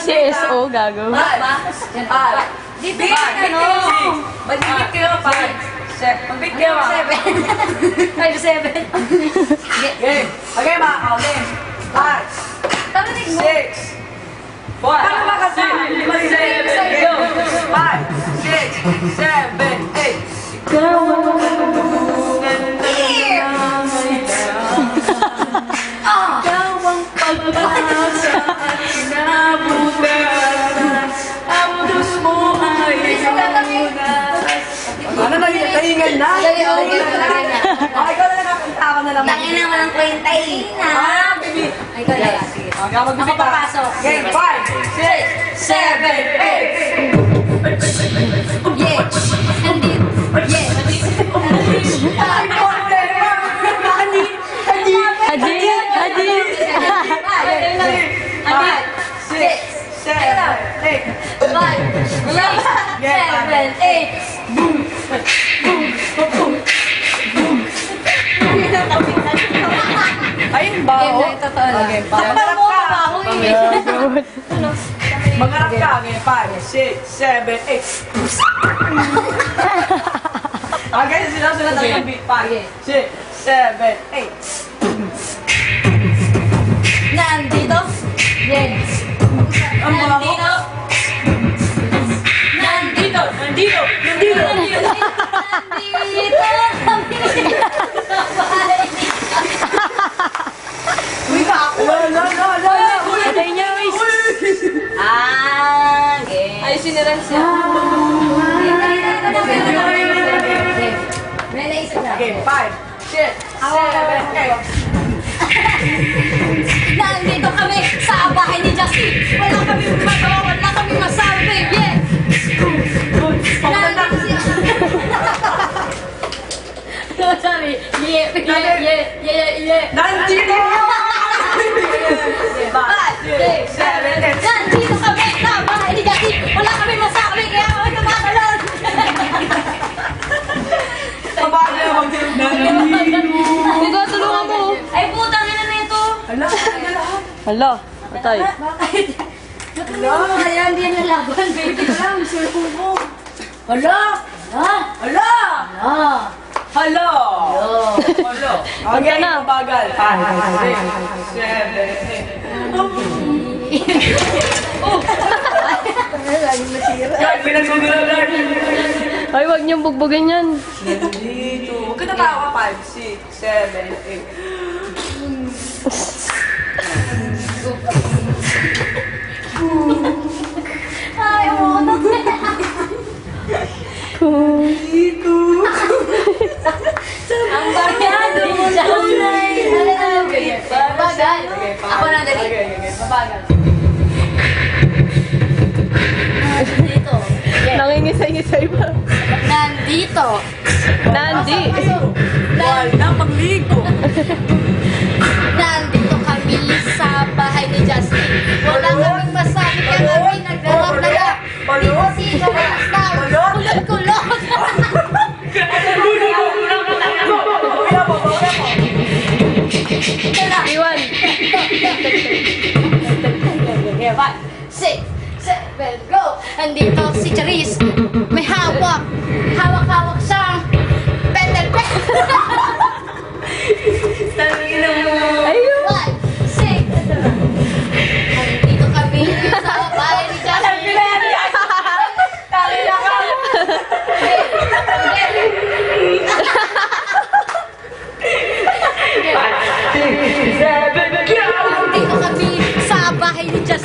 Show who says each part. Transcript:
Speaker 1: CSO, gago.
Speaker 2: Dito ano? Mag-bit kayo, 5. Mag-bit kayo, 7. 5-7. Game. Okay, mga kaulim. 5. 6. 4. Paano ba kasi? 5, 6, 7, 8.
Speaker 1: Ikaw ang pag-asa at sinabutan. Ang dus mo ay
Speaker 2: Ano na yun? Tahingan na? Okay, ikaw na nakakanta ako na lang.
Speaker 3: Tangin naman ang kwenta eh.
Speaker 2: Baby.
Speaker 3: Ay, ikaw na. Sige.
Speaker 2: Okay, mag-bit pa.
Speaker 3: Papasok.
Speaker 2: Game, 5, 6, 7, 8.
Speaker 3: Yeah. Nandito. Yeah.
Speaker 1: Hadid!
Speaker 2: 6, 7, 8.
Speaker 3: 5, 6, 7, 8.
Speaker 2: Ayun ba?
Speaker 3: Game na ito, totoo lang.
Speaker 2: Okay,
Speaker 3: Takpan mo, baho eh.
Speaker 2: Mangarap ka. Game, 5, 6, 7, 8. Okay, sila tayo beat. 5, 6, 7, 8.
Speaker 3: Nandito. Yes. Nandito. Nandito.
Speaker 2: Nandito!
Speaker 3: Nandito kami sa bahay.
Speaker 2: Uy, ako! No!
Speaker 1: Patay niya, Wiz.
Speaker 3: Game.
Speaker 1: Ay, siniran siya.
Speaker 3: May naisip na.
Speaker 2: Game, 5, 6, 7, 8.
Speaker 3: Nandito kami sa bahay ni Justin. Wala kami magawa, wala kami masabi. Yeah. Nandito siya. Sorry. Yeah.
Speaker 2: Nandito! 5, 6, 7, 8.
Speaker 3: Nandito kami sa bahay ni Justin. Wala kami masabi, kaya kami tumatalon.
Speaker 2: Paano naman nandito?
Speaker 1: Hugo, tulungan mo.
Speaker 3: Ay, putang ina na ito.
Speaker 1: Hala, patay.
Speaker 3: Kaya hindi na laban, baby. Lang, sulong mo.
Speaker 2: Hala!
Speaker 3: Hala!
Speaker 2: Hello! Okay,
Speaker 1: na.
Speaker 2: bagal. 5, 6, 7, 8. Yan, pinagsugulan.
Speaker 1: Ay, wag niyong bugbugin yan.
Speaker 2: Nandito. Huwag ka natawa. 5, 6, 7, 8.
Speaker 3: Ay, umunod na.
Speaker 2: Dito.
Speaker 3: Ang bagyado mo na. Bagal. Ako na dali.
Speaker 2: Mabagal.
Speaker 3: Nandito.
Speaker 1: Nangingisay-ngisay pa.
Speaker 3: Nandito.
Speaker 1: Nandi.
Speaker 2: Wala pagligo.
Speaker 3: Nandito kami sa bahay ni Justin. Wala kaming masabi kaya kami naglalap-lalap. Sino basta. Kulot-kulot.
Speaker 1: Iwan.
Speaker 3: 6, 7, go! Andito si Charis. May hawak. Hawak-hawak siyang petel pen.
Speaker 1: Ayun.
Speaker 3: 1, 6. Andito kami sa bahay ni Justin. Andito kami sa bahay ni Justin.